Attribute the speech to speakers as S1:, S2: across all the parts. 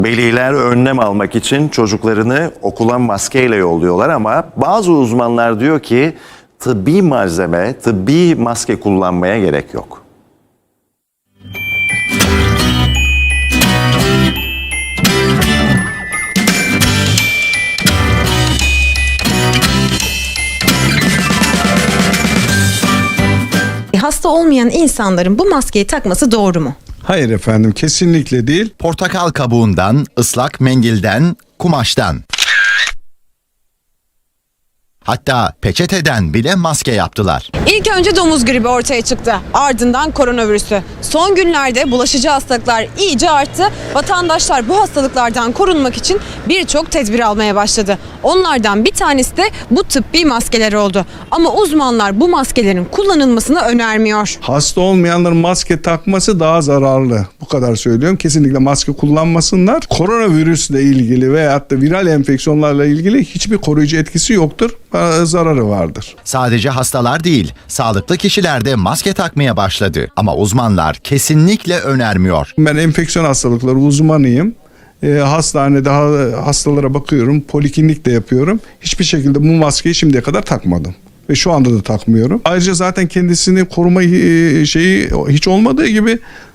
S1: Veliler önlem almak için çocuklarını okula maskeyle yolluyorlar ama bazı uzmanlar diyor ki tıbbi malzeme, tıbbi maske kullanmaya gerek yok.
S2: Hasta olmayan insanların bu maskeyi takması doğru mu?
S3: Hayır efendim, kesinlikle değil.
S4: Portakal kabuğundan, ıslak mendilden, kumaştan. Hatta peçeteden bile maske yaptılar.
S2: İlk önce domuz gribi ortaya çıktı. Ardından koronavirüsü. Son günlerde bulaşıcı hastalıklar iyice arttı. Vatandaşlar bu hastalıklardan korunmak için birçok tedbir almaya başladı. Onlardan bir tanesi de bu tıbbi maskeler oldu. Ama uzmanlar bu maskelerin kullanılmasını önermiyor.
S3: Hasta olmayanların maske takması daha zararlı. Bu kadar söylüyorum. Kesinlikle maske kullanmasınlar. Koronavirüsle ilgili veyahut da viral enfeksiyonlarla ilgili hiçbir koruyucu etkisi yoktur. Zararı vardır.
S4: Sadece hastalar değil, sağlıklı kişiler de maske takmaya başladı. Ama uzmanlar kesinlikle önermiyor.
S3: Ben enfeksiyon hastalıkları uzmanıyım. Hastanede hastalara bakıyorum. Poliklinik de yapıyorum. Hiçbir şekilde bu maskeyi şimdiye kadar takmadım. Ve şu anda da takmıyorum. Ayrıca zaten kendisini koruma şeyi hiç olmadığı gibi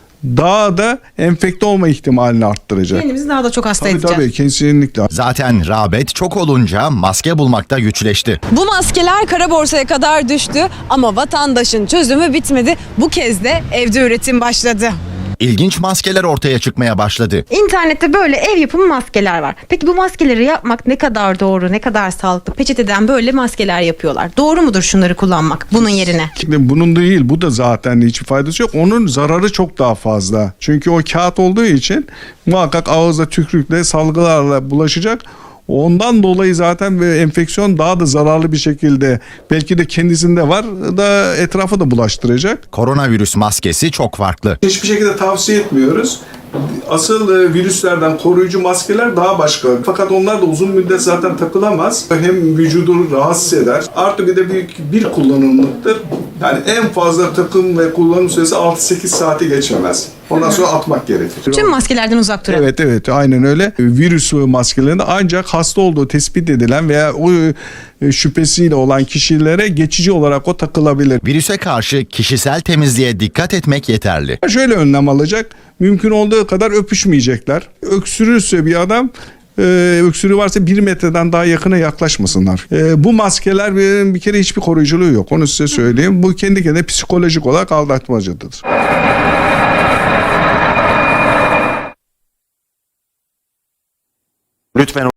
S3: daha da enfekte olma ihtimalini arttıracak.
S2: Kendimizi daha da çok hasta
S3: Tabii
S2: edeceğiz.
S3: tabii, kesinlikle.
S4: Zaten rağbet çok olunca maske bulmakta güçleşti.
S2: Bu maskeler kara borsaya kadar düştü ama vatandaşın çözümü bitmedi. Bu kez de evde üretim başladı.
S4: İlginç maskeler ortaya çıkmaya başladı.
S2: İnternette böyle ev yapımı maskeler var. Peki bu maskeleri yapmak ne kadar doğru, ne kadar sağlıklı? Peçeteden böyle maskeler yapıyorlar. Doğru mudur şunları kullanmak bunun yerine?
S3: Şimdi bunun değil, bu da zaten hiçbir faydası yok. Onun zararı çok daha fazla. Çünkü o kağıt olduğu için muhakkak ağızda tükürükle, salgılarla bulaşacak. Ondan dolayı zaten enfeksiyon daha da zararlı bir şekilde belki de kendisinde var da etrafa da bulaştıracak.
S4: Koronavirüs maskesi çok farklı.
S3: Hiçbir şekilde tavsiye etmiyoruz. Asıl virüslerden koruyucu maskeler daha başka. Fakat onlar da uzun müddet zaten takılamaz. Hem vücudu rahatsız eder. Artı bir de bir kullanımlıktır. Yani en fazla takım ve kullanım süresi 6-8 saati geçemez. Ondan sonra atmak gerekir.
S2: Tüm maskelerden uzak duralım.
S3: Evet, aynen öyle. Virüs maskelerinde ancak hasta olduğu tespit edilen veya o şüphesiyle olan kişilere geçici olarak o takılabilir.
S4: Virüse karşı kişisel temizliğe dikkat etmek yeterli.
S3: Şöyle önlem alacak. Mümkün olduğu kadar öpüşmeyecekler. Öksürürse bir adam, öksürüğü varsa 1 metreden daha yakına yaklaşmasınlar. Bu maskeler bir kere hiçbir koruyuculuğu yok. Onu size söyleyeyim. Bu kendi kendine psikolojik olarak aldatmacıdır.
S1: Lütfen